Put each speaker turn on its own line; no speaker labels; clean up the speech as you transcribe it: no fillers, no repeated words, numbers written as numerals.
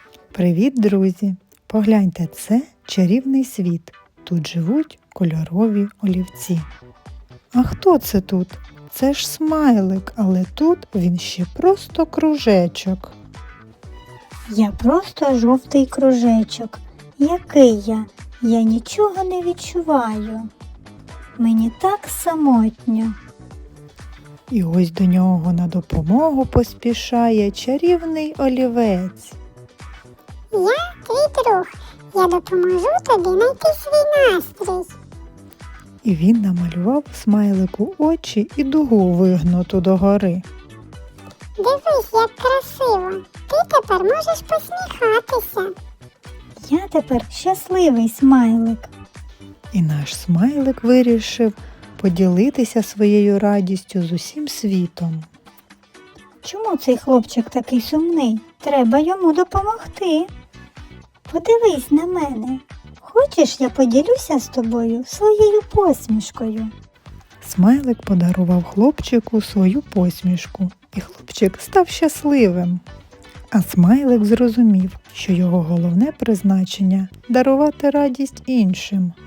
Привіт, друзі! Погляньте, це чарівний світ. Тут живуть кольорові олівці. А хто це тут? Це ж смайлик, але тут він ще просто кружечок.
Я просто жовтий кружечок. Який я? Я нічого не відчуваю. Мені так самотньо.
І ось до нього на допомогу поспішає чарівний олівець.
Я твій друг. Я допоможу тобі знайти свій настрій.
І він намалював смайлику очі і дугу вигнуту догори.
Дивись, як красиво. Ти тепер можеш посміхатися.
Я тепер щасливий смайлик.
І наш смайлик вирішив поділитися своєю радістю з усім світом.
Чому цей хлопчик такий сумний? Треба йому допомогти. Подивись на мене. Хочеш, я поділюся з тобою своєю посмішкою?
Смайлик подарував хлопчику свою посмішку, і хлопчик став щасливим. А смайлик зрозумів, що його головне призначення – дарувати радість іншим.